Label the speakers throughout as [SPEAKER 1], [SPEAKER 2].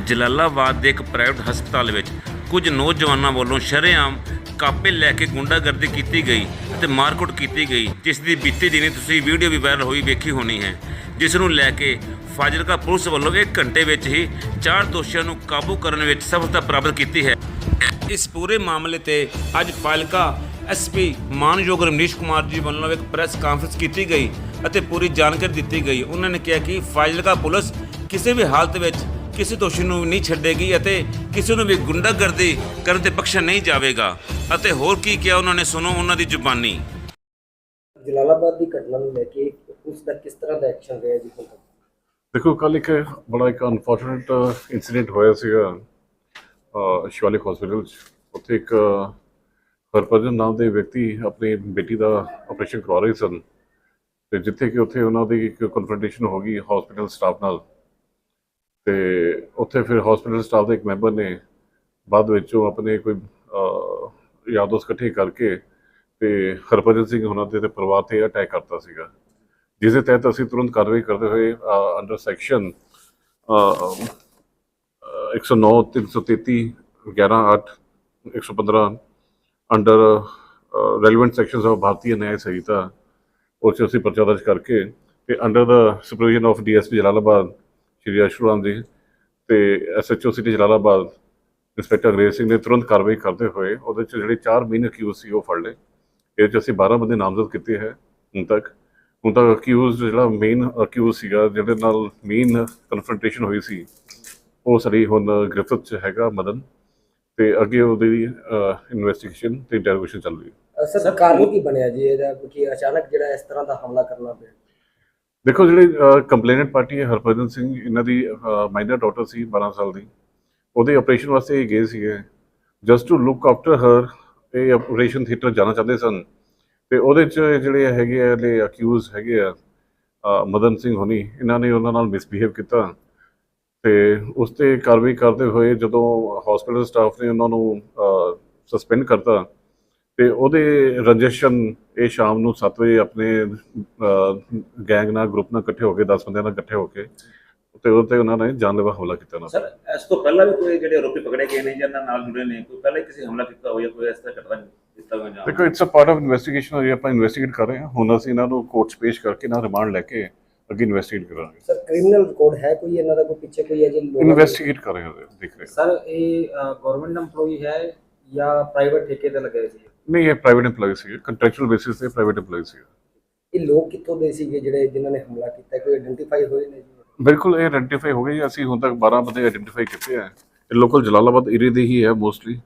[SPEAKER 1] ਜਲਾਲਾਬਾਦ ਦੇ ਇੱਕ ਪ੍ਰਾਈਵੇਟ ਹਸਪਤਾਲ ਵਿੱਚ ਕੁਝ ਨੌਜਵਾਨਾਂ ਵੱਲੋਂ ਸ਼ਰੇਆਮ ਕਾਪੇ ਲੈ ਕੇ ਗੁੰਡਾਗਰਦੀ ਕੀਤੀ ਗਈ ਅਤੇ ਮਾਰਕੁੱਟ ਕੀਤੀ ਗਈ, ਜਿਸ ਦੀ ਬੀਤੀ ਦਿਨੀ ਤੁਸੀਂ ਵੀਡੀਓ ਵੀ ਵਾਇਰਲ ਹੋਈ ਵੇਖੀ ਹੋਣੀ ਹੈ, ਜਿਸ ਨੂੰ ਲੈ ਕੇ ਫਾਜ਼ਿਲਕਾ ਪੁਲਿਸ ਵੱਲੋਂ 1 ਘੰਟੇ ਵਿੱਚ ਹੀ 4 ਦੋਸ਼ੀਆਂ ਨੂੰ ਕਾਬੂ ਕਰਨ ਵਿੱਚ ਸਫਲਤਾ ਪ੍ਰਾਪਤ ਕੀਤੀ ਹੈ। ਇਸ ਪੂਰੇ ਮਾਮਲੇ ਤੇ ਅੱਜ ਫਾਜ਼ਿਲਕਾ ਐਸਪੀ ਮਾਨਯੋਗ ਰਮਨੀਸ਼ ਕੁਮਾਰ ਜੀ ਵੱਲੋਂ ਇੱਕ ਪ੍ਰੈਸ ਕਾਨਫਰੰਸ ਕੀਤੀ ਗਈ ਅਤੇ ਪੂਰੀ ਜਾਣਕਾਰੀ ਦਿੱਤੀ ਗਈ। ਉਹਨਾਂ ਨੇ ਕਿਹਾ ਕਿ ਫਾਜ਼ਿਲਕਾ ਪੁਲਿਸ ਕਿਸੇ ਵੀ ਹਾਲਤ ਵਿੱਚ ਕਿਸੇ ਦੋਸ਼ੀ ਨੂੰ ਨਹੀਂ ਛੱਡੇਗੀ ਅਤੇ ਕਿਸੇ ਨੂੰ ਵੀ ਗੁੰਡਾਗਰਦੀ ਕਰਨ ਤੇ ਬਖਸ਼ਿਆ ਨਹੀਂ ਜਾਵੇਗਾ। ਅਤੇ ਹੋਰ ਕੀ ਕਿਹਾ ਉਹਨਾਂ ਨੇ, ਸੁਣੋ ਉਹਨਾਂ ਦੀ ਜ਼ੁਬਾਨੀ।
[SPEAKER 2] ਜਲਾਲਾਬਾਦ ਦੀ ਘਟਨਾ ਨੂੰ ਲੈ ਕੇ ਉਸ ਦਾ ਕਿਸ ਤਰ੍ਹਾਂ ਦਾ ਐਕਸ਼ਨ ਰਿਹਾ ਜੀ?
[SPEAKER 3] ਦੇਖੋ, ਕੱਲ੍ਹ ਇੱਕ ਬੜਾ ਅਨਫੋਰਚੂਨੇਟ ਇੰਸੀਡੈਂਟ ਹੋਇਆ ਸੀਗਾ ਸ਼ਿਵਾਲਿਕ ਹਸਪੀਟਲ 'ਚ। ਉੱਥੇ ਇੱਕ ਹਰਭਜਨ ਨਾਮ ਦੇ ਵਿਅਕਤੀ ਆਪਣੀ ਬੇਟੀ ਦਾ ਆਪਰੇਸ਼ਨ ਕਰਵਾ ਰਹੇ ਸਨ ਅਤੇ ਜਿੱਥੇ ਕਿ ਉੱਥੇ ਉਹਨਾਂ ਦੀ ਇੱਕ ਕਨਫਰੰਟੇਸ਼ਨ ਹੋ ਗਈ ਹਸਪੀਟਲ ਸਟਾਫ ਨਾਲ। ਅਤੇ ਉੱਥੇ ਫਿਰ ਹਸਪੀਟਲ ਸਟਾਫ ਦੇ ਇੱਕ ਮੈਂਬਰ ਨੇ ਬਾਅਦ ਵਿੱਚ ਉਹ ਆਪਣੇ ਕੋਈ ਯਾਰ ਦੋਸਤ ਇਕੱਠੇ ਕਰਕੇ ਅਤੇ ਹਰਭਜਨ ਸਿੰਘ ਉਹਨਾਂ ਦੇ ਪਰਿਵਾਰ 'ਤੇ ਅਟੈਕ ਕਰਤਾ ਸੀਗਾ, ਜਿਸ ਦੇ ਤਹਿਤ ਅਸੀਂ ਤੁਰੰਤ ਕਾਰਵਾਈ ਕਰਦੇ ਹੋਏ under section 109, 333, 11(8), 115 under relevant sections of Bharatiya Nyaya Sanhita ਉਹ 'ਚ ਅਸੀਂ ਪਰਚਾ ਦਰਜ ਕਰਕੇ ਅਤੇ ਅੰਡਰ ਦਾ supervision of DSP Jalalabad Shri Ashuram ji ਅਤੇ SHO ਸਿਟੀ ਜਲਾਲਾਬਾਦ ਇੰਸਪੈਕਟਰ ਅੰਗਰੇਜ਼ ਸਿੰਘ ਨੇ ਤੁਰੰਤ ਕਾਰਵਾਈ ਕਰਦੇ ਹੋਏ ਉਹਦੇ 'ਚ ਜਿਹੜੇ 4 ਮੇਨ ਅਕਿਊਜ਼ ਸੀ ਉਹ ਫੜ ਲਏ। ਇਹਦੇ 'ਚ ਅਸੀਂ 12 ਬੰਦੇ ਨਾਮਜ਼ਦ ਕੀਤੇ ਹੈ ਹੁਣ ਤੱਕ ਅਕਿਊਜ਼ ਜਿਹੜਾ ਮੇਨ ਅਕਿਊਜ਼ ਸੀਗਾ, ਜਿਹਦੇ ਨਾਲ ਮੇਨ ਕਨਫਰੰਟੇਸ਼ਨ ਹੋਈ ਸੀ, ਉਹ ਸਾਡੀ ਹੁਣ ਗ੍ਰਿਫਤ 'ਚ ਹੈਗਾ ਮਦਨ, ਅਤੇ ਅੱਗੇ ਉਹਦੀ ਇਨਵੈਸਟੀਗੇਸ਼ਨ ਅਤੇ ਇੰਟਰੋਗੇਸ਼ਨ ਚੱਲ ਰਹੀ ਹੈ।
[SPEAKER 2] ਸਰ, ਕਾਰਨ ਕੀ ਬਣਿਆ ਜੀ ਇਹਦਾ ਕਿ ਅਚਾਨਕ ਜਿਹੜਾ ਇਸ ਤਰ੍ਹਾਂ ਦਾ ਹਮਲਾ ਕਰਨਾ ਪਿਆ?
[SPEAKER 3] ਦੇਖੋ, ਜਿਹੜੀ ਕੰਪਲੇਨੈਂਟ ਪਾਰਟੀ ਹੈ ਹਰਭਜਨ ਸਿੰਘ, ਇਹਨਾਂ ਦੀ ਮਾਈਨਰ ਡਾਟਰ ਸੀ 12 ਸਾਲ ਦੀ। ਉਹਦੇ ਆਪਰੇਸ਼ਨ ਵਾਸਤੇ ਇਹ ਗਏ ਸੀਗੇ just to look after her. ਇਹ ਆਪਰੇਸ਼ਨ ਥੀਏਟਰ ਜਾਣਾ ਚਾਹੁੰਦੇ ਸਨ ਅਤੇ ਉਹਦੇ 'ਚ ਜਿਹੜੇ ਹੈਗੇ ਆ ਜਿਹੜੇ ਅਕਿਊਜ਼ ਹੈਗੇ ਆ ਮਦਨ ਸਿੰਘ ਹੋਣੀ, ਇਹਨਾਂ ਨੇ ਉਹਨਾਂ ਨਾਲ ਮਿਸਬਿਹੇਵ ਕੀਤਾ ਅਤੇ ਉਸ 'ਤੇ ਕਾਰਵਾਈ ਕਰਦੇ ਹੋਏ ਜਦੋਂ ਹਸਪੀਟਲ ਸਟਾਫ ਨੇ ਉਹਨਾਂ ਨੂੰ ਸਸਪੈਂਡ ਕਰਤਾ ਅਤੇ ਉਹਦੇ ਰੰਜਿਸ਼ਨ ਇਹ ਸ਼ਾਮ ਨੂੰ 7 ਵਜੇ ਆਪਣੇ ਗੈਂਗ ਨਾਲ ਗਰੁੱਪ ਨਾਲ ਇਕੱਠੇ ਹੋ ਕੇ 10 ਬੰਦਿਆਂ ਨਾਲ ਇਕੱਠੇ ਹੋ ਕੇ ਅਤੇ ਉਹਦੇ 'ਤੇ ਉਹਨਾਂ ਨੇ ਜਾਨਲੇਵਾ ਹਮਲਾ ਕੀਤਾ ਉਹਨਾਂ।
[SPEAKER 4] ਸਰ, ਇਸ ਤੋਂ ਪਹਿਲਾਂ ਵੀ ਕੋਈ ਜਿਹੜੇ ਆਰੋਪੀ ਪਕੜੇ ਗਏ ਨੇ ਜਾਂ ਨਾਲ ਜੁੜੇ ਨੇ, ਕੋਈ ਪਹਿਲਾਂ ਕਿਸੇ ਹਮਲਾ ਕੀਤਾ ਹੋਇਆ, ਕੋਈ ਇਸ ਤਰ੍ਹਾਂ ਘਟਨਾ ਕੀਤਾ ਹੋਇਆ?
[SPEAKER 3] ਦੇਖੋ, it's a part of investigation. ਹੋਈ ਆਪਾਂ ਇਨਵੈਸਟੀਗੇਟ ਕਰ ਰਹੇ ਹਾਂ। ਹੁਣ ਅਸੀਂ ਇਹਨਾਂ ਨੂੰ ਕੋਰਟ 'ਚ ਪੇਸ਼ ਕਰਕੇ ਇਹਨਾਂ ਰਿਮਾਂਡ ਲੈ ਕੇ ਅੱਗੇ ਇਨਵੈਸਟੀਗੇਟ ਕਰਾਂਗੇ।
[SPEAKER 2] ਸਰ, ਕ੍ਰਿਮੀਨਲ ਰਿਕਾਰਡ ਹੈ ਕੋਈ ਇਹਨਾਂ ਦਾ, ਕੋਈ ਪਿੱਛੇ ਕੋਈ ਅਜੇ
[SPEAKER 3] ਇਨਵੈਸਟੀਗੇਟ ਕਰ ਰਹੇ ਹਾਂ, ਦੇਖ ਰਹੇ ਹਾਂ।
[SPEAKER 5] ਸਰ, ਇਹ ਗਵਰਨਮੈਂਟ EMPLOYE ਹੈ ਜਾਂ ਪ੍ਰਾਈਵੇਟ ਠੇਕੇ ਤੇ ਲੱਗੇ ਸੀ?
[SPEAKER 3] ਨਹੀਂ, ਇਹ ਪ੍ਰਾਈਵੇਟ EMPLOYE ਸੀਗੇ, ਕੰਟਰੈਕਚੁਅਲ ਬੇਸਿਸ ਤੇ ਪ੍ਰਾਈਵੇਟ EMPLOYE ਸੀਗੇ।
[SPEAKER 2] ਇਹ ਲੋਕ ਕਿੱਥੋਂ ਦੇ ਸੀਗੇ ਜਿਹੜੇ ਜਿਨ੍ਹਾਂ ਨੇ ਹਮਲਾ ਕੀਤਾ? ਕੋਈ ਆਇਡੈਂਟੀਫਾਈ ਹੋਏ ਨੇ ਜੀ?
[SPEAKER 3] ਬਿਲਕੁਲ, ਇਹ ਆਇਡੈਂਟੀਫਾਈ ਹੋ ਗਈ। ਅਸੀਂ ਹੁਣ ਤੱਕ 12 ਬੰਦੇ ਆਇਡੈਂਟੀਫਾਈ ਕੀਤੇ ਹੈ। ਇਹ ਲੋਕਲ ਜਲਾਲਾਬਾਦ ਏਰੀਏ ਦੇ ਹੀ ਹੈ, ਮੋਸਟਲੀ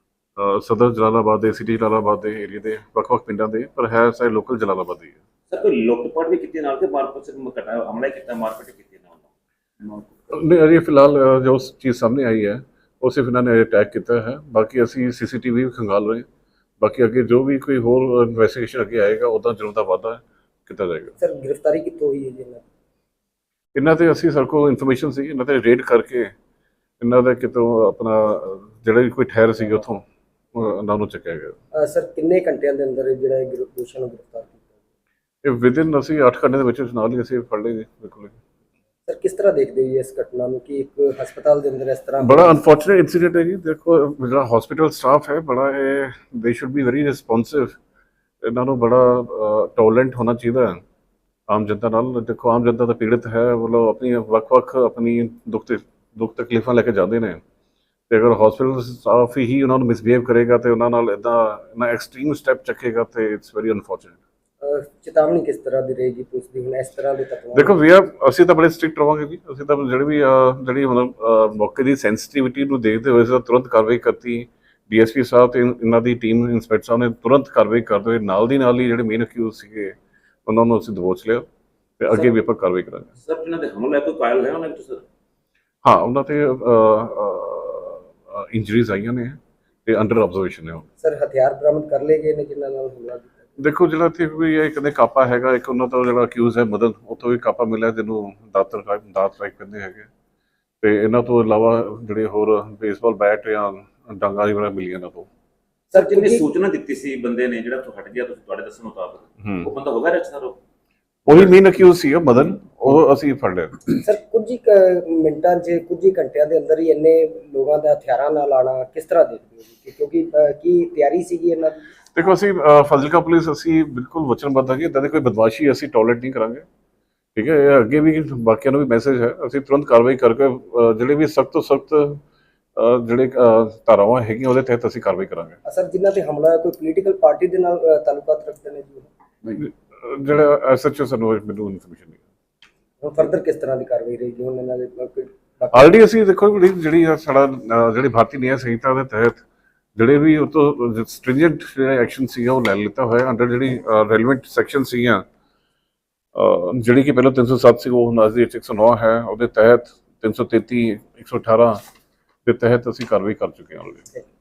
[SPEAKER 3] ਸਦਰ ਜਲਾਲਾਬਾਦ ਦੇ, ਸਿਟੀ ਜਲਾਲਾਬਾਦ ਦੇ ਏਰੀਏ ਦੇ ਵੱਖ-ਵੱਖ ਪਿੰਡਾਂ ਦੇ, ਪਰ ਹੈ ਸਾਰੇ ਲੋਕਲ ਜਲਾਲਾਬਾਦ ਦੇ ਹੀ ਹੈ।
[SPEAKER 4] ਸਰ, ਕੋਈ ਲੁੱਟ-ਪਾਟ ਵੀ ਕੀਤੀ ਨਾਲ ਤੇ ਮਾਰਕੀਟ ਸਿਰਫ ਹਮਲਾ ਕੀਤਾ, ਮਾਰਕੀਟ ਕੀਤੀ ਨਾਲ?
[SPEAKER 3] ਨਹੀਂ, ਅਜੇ ਫਿਲਹਾਲ ਜੋ ਚੀਜ਼ ਸਾਹਮਣੇ ਆਈ ਹੈ ਉਹ ਸਿਰਫ ਇਹਨਾਂ ਨੇ ਅਟੈਕ ਕੀਤਾ ਹੈ। ਬਾਕੀ ਅਸੀਂ CCTV ਵੀ ਖੰਗਾਲ ਰਹੇ। ਬਾਕੀ ਅੱਗੇ ਜੋ ਵੀ ਕੋਈ ਹੋਰ ਇਨਵੈਸਟੀਗੇਸ਼ਨ ਅੱਗੇ ਆਏਗਾ ਉੱਦਾਂ ਜੁਰਮ ਦਾ ਵਾਧਾ ਕੀਤਾ ਜਾਏਗਾ।
[SPEAKER 2] ਸਰ, ਗ੍ਰਿਫਤਾਰੀ ਕਿੱਥੋਂ ਹੋਈ ਹੈ ਜੀ
[SPEAKER 3] ਇਹਨਾਂ 'ਤੇ ਅਸੀਂ ਸਾਡੇ ਕੋਲ ਇਨਫੋਰਮੇਸ਼ਨ ਸੀ, ਇਹਨਾਂ 'ਤੇ ਰੇਡ ਕਰਕੇ ਇਹਨਾਂ ਦਾ ਕਿਤੋਂ ਆਪਣਾ ਜਿਹੜਾ ਵੀ ਕੋਈ ਠਹਿਰ ਸੀ ਉੱਥੋਂ ਉਹਨਾਂ ਨੂੰ ਚੱਕਿਆ ਗਿਆ।
[SPEAKER 2] ਸਰ, ਕਿੰਨੇ ਘੰਟਿਆਂ ਦੇ ਅੰਦਰ ਜਿਹੜਾ ਇਹ ਦੋਸ਼ੀਆਂ ਨੂੰ ਗ੍ਰਿਫਤਾਰ ਕੀਤਾ?
[SPEAKER 3] ਇਹ ਵਿਦਿਨ ਅਸੀਂ 8 ਘੰਟੇ ਦੇ ਵਿੱਚ ਨਾਲ ਹੀ ਅਸੀਂ ਫੜ ਲਏ ਜੀ। ਬਿਲਕੁਲ।
[SPEAKER 2] ਸਰ, ਕਿਸ ਤਰ੍ਹਾਂ ਦੇਖਦੇ ਹੋ ਇਸ ਘਟਨਾ ਨੂੰ ਕਿ ਇੱਕ ਹਸਪਤਾਲ ਦੇ ਅੰਦਰ ਇਸ ਤਰ੍ਹਾਂ?
[SPEAKER 3] ਬੜਾ ਅਨਫੋਰਚੂਨੇਟ ਇੰਸੀਡੈਂਟ ਹੈ ਜੀ। ਦੇਖੋ, ਜਿਹੜਾ ਹਸਪੀਟਲ ਸਟਾਫ ਹੈ ਬੜਾ ਦੇ ਸ਼ੁੱਡ ਬੀ ਵੈਰੀ ਰਿਸਪੌਂਸਿਵ। ਇਹਨਾਂ ਨੂੰ ਬੜਾ ਟੋਲਰੈਂਟ ਹੋਣਾ ਚਾਹੀਦਾ ਹੈ ਆਮ ਜਨਤਾ ਨਾਲ। ਦੇਖੋ, ਆਮ ਜਨਤਾ ਤਾਂ ਪੀੜਤ ਹੈ, ਮਤਲਬ ਆਪਣੀ ਵੱਖ-ਵੱਖ ਆਪਣੀ ਦੁੱਖ ਤਕਲੀਫਾਂ ਲੈ ਕੇ ਜਾਂਦੇ ਨੇ, ਅਤੇ ਅਗਰ ਹਸਪੀਟਲ ਸਟਾਫ ਹੀ ਉਹਨਾਂ ਨੂੰ ਮਿਸਬਿਹੇਵ ਕਰੇਗਾ ਅਤੇ ਉਹਨਾਂ ਨਾਲ ਇੱਦਾਂ ਐਕਸਟ੍ਰੀਮ ਸਟੈਪ ਚੱਕੇਗਾ ਅਤੇ ਇਟਸ ਵੈਰੀ ਅਨਫੋਰਚੂਨੇਟ।
[SPEAKER 2] ਚੇਤਾਵਨੀ ਕਿਸ ਤਰ੍ਹਾਂ ਦੀ ਰਹੇਗੀ ਪੁਲਿਸ ਦੀ ਹੁਣ ਇਸ ਤਰ੍ਹਾਂ ਦੇ ਤੱਕ?
[SPEAKER 3] ਦੇਖੋ, ਅਸੀਂ ਤਾਂ ਬੜੇ ਸਟ੍ਰਿਕਟ ਰਹਾਂਗੇ ਜੀ। ਅਸੀਂ ਤਾਂ ਜਿਹੜੀ ਹੁਣ ਮੌਕੇ ਦੀ ਸੈਂਸਿਟੀਵਿਟੀ ਨੂੰ ਦੇਖਦੇ ਹੋਏ ਅਸੀਂ ਤਾਂ ਤੁਰੰਤ ਕਾਰਵਾਈ ਕਰਤੀ। DSP ਸਾਹਿਬ ਅਤੇ ਇਹਨਾਂ ਦੀ ਟੀਮ, ਇੰਸਪੈਕਟਰ ਸਾਹਿਬ ਨੇ ਤੁਰੰਤ ਕਾਰਵਾਈ ਕਰਦੇ ਹੋਏ ਨਾਲ ਦੀ ਨਾਲ ਹੀ ਜਿਹੜੇ ਮੇਨ ਅਕਿਊਜ਼ ਸੀਗੇ ਉਹਨਾਂ ਨੂੰ ਅਸੀਂ ਦਬੋਚ ਲਿਆ ਅਤੇ ਅੱਗੇ ਵੀ ਆਪਾਂ ਕਾਰਵਾਈ ਕਰਾਂਗੇ।
[SPEAKER 4] ਸਰ, ਜਿਹਨਾਂ ਦੇ ਹਮਲਾ ਕੋਈ ਕਾਇਲ ਹੈ ਉਹਨਾਂ ਵਿੱਚ? ਸਰ,
[SPEAKER 3] ਹਾਂ, ਉਹਨਾਂ 'ਤੇ ਇੰਜਰੀਜ਼ ਆਈਆਂ ਨੇ ਅਤੇ ਅੰਡਰ ਆਬਜ਼ਰਵੇਸ਼ਨ ਨੇ।
[SPEAKER 2] ਸਰ, ਹਥਿਆਰ ਬਰਾਮਦ ਕਰ ਲਏ ਗਏ ਨੇ ਜਿਨ੍ਹਾਂ ਨਾਲ ਹਮਲਾ ਕੀਤਾ?
[SPEAKER 3] ਦੇਖੋ, ਜਿਹੜਾ ਇੱਥੇ ਕੋਈ ਇੱਕ ਦੇ ਕਾਪਾ ਹੈਗਾ, ਇੱਕ ਉਹਨਾਂ ਦਾ ਜਿਹੜਾ ਅਕਿਊਜ਼ ਹੈ ਮਦਨ, ਉੱਥੋਂ ਵੀ ਕਾਪਾ ਮਿਲਿਆ ਜਿਹਨੂੰ ਦਾਤ ਰਾਈਫ ਕਹਿੰਦੇ ਹੈਗੇ, ਅਤੇ ਇਹਨਾਂ ਤੋਂ ਇਲਾਵਾ ਜਿਹੜੇ ਹੋਰ ਬੇਸਬਾਲ ਬੈਟ ਜਾਂ ਡਾਂਗਾਂ ਵਗੈਰਾ ਮਿਲੀਆਂ ਇਹਨਾਂ ਤੋਂ।
[SPEAKER 4] ਸਰ, ਜਿਹਨੇ ਸੂਚਨਾ ਦਿੱਤੀ ਸੀ ਬੰਦੇ ਨੇ ਜਿਹੜਾ ਹਟ ਗਿਆ, ਤੁਸੀਂ ਤੁਹਾਡੇ ਦੱਸਣ ਮੁਤਾਬਕ ਉਹ ਬੰਦਾ ਹੋਗਾ ਰਚਨਾ?
[SPEAKER 3] ਉਹੀ ਮੇਨ ਅਕਿਊਜ਼ ਸੀਗਾ ਮਦਨ। ਉਹ ਅਸੀਂ ਫੜ ਲਿਆ।
[SPEAKER 2] ਸਰ ਕੁਝ ਹੀ ਮਿੰਟਾਂ 'ਚ ਕੁਝ ਹੀ ਘੰਟਿਆਂ ਦੇ ਅੰਦਰ ਹੀ ਇੰਨੇ ਲੋਕਾਂ ਦਾ ਹਥਿਆਰਾਂ ਨਾਲ ਆਉਣਾ ਕਿਸ ਤਰ੍ਹਾਂ ਦੇਖਦੇ ਹੋ ਜੀ? ਕਿਉਂਕਿ ਕੀ ਤਿਆਰੀ ਸੀਗੀ ਇਹਨਾਂ ਦੀ?
[SPEAKER 3] ਦੇਖੋ ਅਸੀਂ ਫਾਜ਼ਿਲਕਾ ਪੁਲਿਸ ਅਸੀਂ ਬਿਲਕੁਲ ਵਚਨਬੱਧ ਹਾਂ ਕਿ ਇੱਦਾਂ ਦੀ ਕੋਈ ਬਦਮਾਸ਼ੀ ਅਸੀਂ ਟੋਲਰੇਟ ਨਹੀਂ ਕਰਾਂਗੇ। ਠੀਕ ਹੈ, ਇਹ ਅੱਗੇ ਵੀ ਬਾਕੀਆਂ ਨੂੰ ਵੀ ਮੈਸੇਜ ਹੈ, ਅਸੀਂ ਤੁਰੰਤ ਕਾਰਵਾਈ ਕਰਕੇ ਜਿਹੜੇ ਵੀ ਸਖਤ ਤੋਂ ਸਖਤ ਜਿਹੜੇ ਧਾਰਾਵਾਂ ਹੈਗੀਆਂ ਉਹਦੇ ਤਹਿਤ ਅਸੀਂ ਕਾਰਵਾਈ ਕਰਾਂਗੇ।
[SPEAKER 2] ਸਰ ਜਿਨ੍ਹਾਂ ਤੇ ਹਮਲਾ ਕੋਈ ਪੋਲੀਟੀਕਲ ਪਾਰਟੀ ਦੇ ਨਾਲ ਤਾਲੁਕਾਤ ਰੱਖਦੇ ਨੇ ਜੀ?
[SPEAKER 3] ਜਿਹੜਾ ਐਸਐਚਓ ਸਾਨੂੰ ਮੈਨੂੰ ਇਨਫੋਰਮੇਸ਼ਨ ਨਹੀਂ।
[SPEAKER 2] ਹੁਣ ਫਰਦਰ ਕਿਸ ਤਰ੍ਹਾਂ ਦੀ ਕਾਰਵਾਈ ਰਹੇਗੀ ਹੁਣ ਇਹਨਾਂ ਦੇ
[SPEAKER 3] ਆਲਰੇਡੀ ਅਸੀਂ ਦੇਖੋ ਜਿਹੜੀ ਸਾਡਾ ਜਿਹੜੀ ਭਾਰਤੀ ਨਿਆਂ ਸੰਹਿਤਾ ਦੇ ਤਹਿਤ ਜਿਹੜੇ ਵੀ ਉਹ ਤੋਂ ਸਟ੍ਰਿੰਜੈਂਟ ਜਿਹੜਾ ਐਕਸ਼ਨ ਸੀਗਾ ਉਹ ਲੈ ਲਿੱਤਾ ਹੋਇਆ ਅੰਡਰ ਜਿਹੜੀ ਰੈਲੇਵੈਂਟ ਸੈਕਸ਼ਨ ਸੀਗੀਆਂ, ਜਿਹੜੀ ਕਿ ਪਹਿਲਾਂ 307 ਸੀ ਉਹ ਹੁਣ ਅੱਜ ਦੀ 109 ਹੈ, ਉਹਦੇ ਤਹਿਤ 333 118 ਦੇ ਤਹਿਤ ਅਸੀਂ ਕਾਰਵਾਈ ਕਰ ਚੁੱਕੇ ਹਾਂ ਆਲਰੇਡੀ।